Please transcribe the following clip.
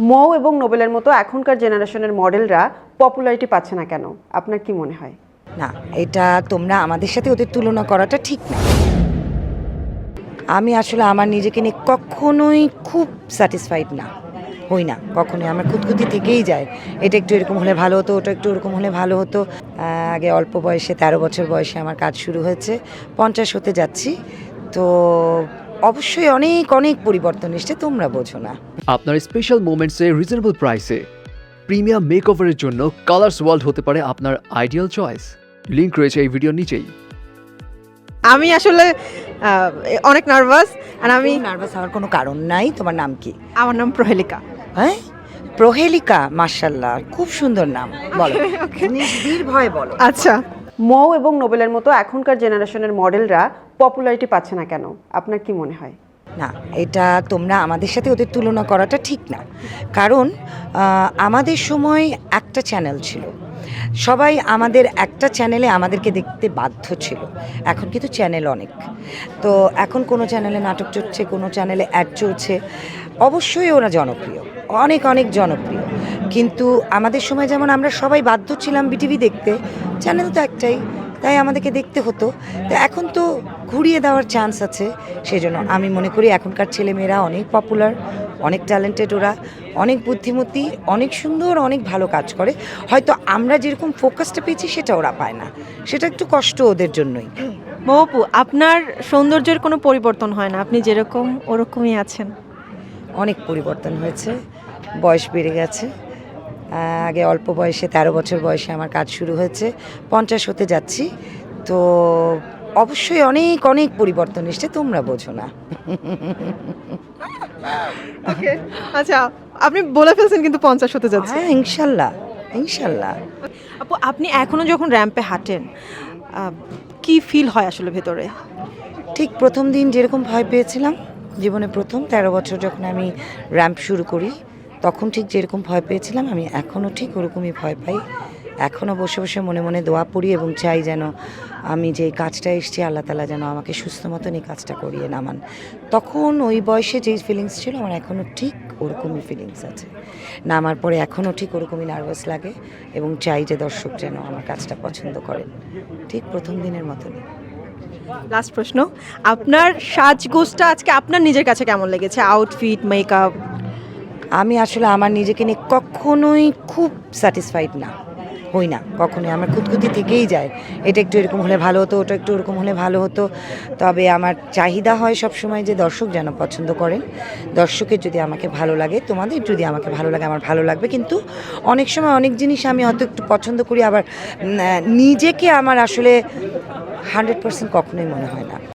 মৌ এবং নোবেলের মতো এখনকার জেনারেশনের মডেলরা পপুলারিটি পাচ্ছে না কেন? আপনার কি মনে হয়? না, এটা তোমরা আমাদের সাথে ওদের তুলনা করাটা ঠিক না। আমি আসলে আমার নিজেকে নিয়ে কখনোই খুব স্যাটিসফাইড না, হই না কখনোই। আমার খুঁতখুঁতি থেকেই যায়, এটা একটু এরকম হলে ভালো হতো, ওটা একটু ওরকম হলে ভালো হতো। আগে অল্প বয়সে 13 বছর বয়সে আমার কাজ শুরু হয়েছে, 50 হতে যাচ্ছি, তো অবশ্যই অনেক অনেক পরিবর্তন এসছে, তোমরা বোঝো না। আপনার স্পেশাল মোমেন্টসে রিজনেবল প্রাইসে প্রিমিয়াম মেকওভারের জন্য কালার্স ওয়ার্ল্ড হতে পারে আপনার আইডিয়াল চয়েস। লিংক রয়েছে এই ভিডিওর নিচেই। আমি আসলে অনেক নার্ভাস, আর আমি নার্ভাস হওয়ার কোনো কারণ নাই। তোমার নাম কি? আমার নাম প্রহেলিকা। হ্যাঁ, প্রহেলিকা, মাশাআল্লাহ, খুব সুন্দর নাম। বলো, নির্ভয়ে বলো। আচ্ছা, মৌ এবং নোবেলের মতো এখনকার জেনারেশনের মডেলরা পপুলারিটি পাচ্ছে না কেন? আপনার কি মনে হয়? না, এটা তোমরা আমাদের সাথে ওদের তুলনা করাটা ঠিক না। কারণ আমাদের সময় একটা চ্যানেল ছিল, সবাই আমাদের একটা চ্যানেলে আমাদেরকে দেখতে বাধ্য ছিল। এখন কিন্তু চ্যানেল অনেক, তো এখন কোনো চ্যানেলে নাটক চলছে, কোনো চ্যানেলে অ্যাড চলছে, অবশ্যই ওরা জনপ্রিয়, অনেক অনেক জনপ্রিয়। কিন্তু আমাদের সময় যেমন আমরা সবাই বাধ্য ছিলাম বিটিভি দেখতে, চ্যানেল তো একটাই, তাই আমাদেরকে দেখতে হতো। তো এখন তো ঘুরিয়ে দেওয়ার চান্স আছে, সেজন্য আমি মনে করি এখনকার ছেলেমেয়েরা অনেক পপুলার, অনেক ট্যালেন্টেড, ওরা অনেক বুদ্ধিমতী, অনেক সুন্দর, অনেক ভালো কাজ করে। হয়তো আমরা যেরকম ফোকাসটা পেয়েছি সেটা ওরা পায় না, সেটা একটু কষ্ট ওদের জন্যই। মৌপু, আপনার সৌন্দর্যের কোনো পরিবর্তন হয় না, আপনি যেরকম ওরকমই আছেন। অনেক পরিবর্তন হয়েছে, বয়স বেড়ে গেছে। আগে অল্প বয়সে 13 বছর বয়সে আমার কাজ শুরু হয়েছে, 50 হতে যাচ্ছি, তো অবশ্যই অনেক অনেক পরিবর্তন এসছে, তোমরা বোঝো না। আচ্ছা, আপনি বলে ফেলছেন কিন্তু 50 হতে যাচ্ছে। হ্যাঁ, ইনশাল্লাহ ইনশাল্লাহ। আপু, আপনি এখনো যখন র্যাম্পে হাঁটেন, কি ফিল হয় আসলে ভেতরে? ঠিক প্রথম দিন যেরকম ভয় পেয়েছিলাম, জীবনে প্রথম 13 বছর যখন আমি র্যাম্প শুরু করি, তখন ঠিক যেরকম ভয় পেয়েছিলাম আমি এখনও ঠিক ওরকমই ভয় পাই। এখনও বসে বসে মনে মনে দোয়া পড়ি এবং চাই যেন আমি যে কাজটা এসেছি, আল্লাহ তাআলা যেন আমাকে সুস্থ মতন এই কাজটা করিয়ে নামান। তখন ওই বয়সে যেই ফিলিংস ছিল আমার এখনও ঠিক ওরকমই ফিলিংস আছে। নামার পরে এখনও ঠিক ওরকমই নার্ভাস লাগে এবং চাই যে দর্শক যেন আমার কাজটা পছন্দ করেন, ঠিক প্রথম দিনের মতনই। লাস্ট প্রশ্ন, আপনার সাজগোজটা আজকে আপনার নিজের কাছে কেমন লেগেছে? Outfit, makeup? আমি আসলে আমার নিজেকে নিয়ে কখনোই খুব স্যাটিসফাইড না, হই না কখনোই। আমার খুঁতখুঁতি থেকেই যায়, এটা একটু এরকম হলে ভালো হতো, ওটা একটু ওরকম হলে ভালো হতো। তবে আমার চাহিদা হয় সবসময় যে দর্শক যেন পছন্দ করেন। দর্শকের যদি আমাকে ভালো লাগে, তোমাদের যদি আমাকে ভালো লাগে, আমার ভালো লাগবে। কিন্তু অনেক সময় অনেক জিনিস আমি হয়তো একটু পছন্দ করি, আবার নিজেকে আমার আসলে 100% কখনোই মনে হয় না।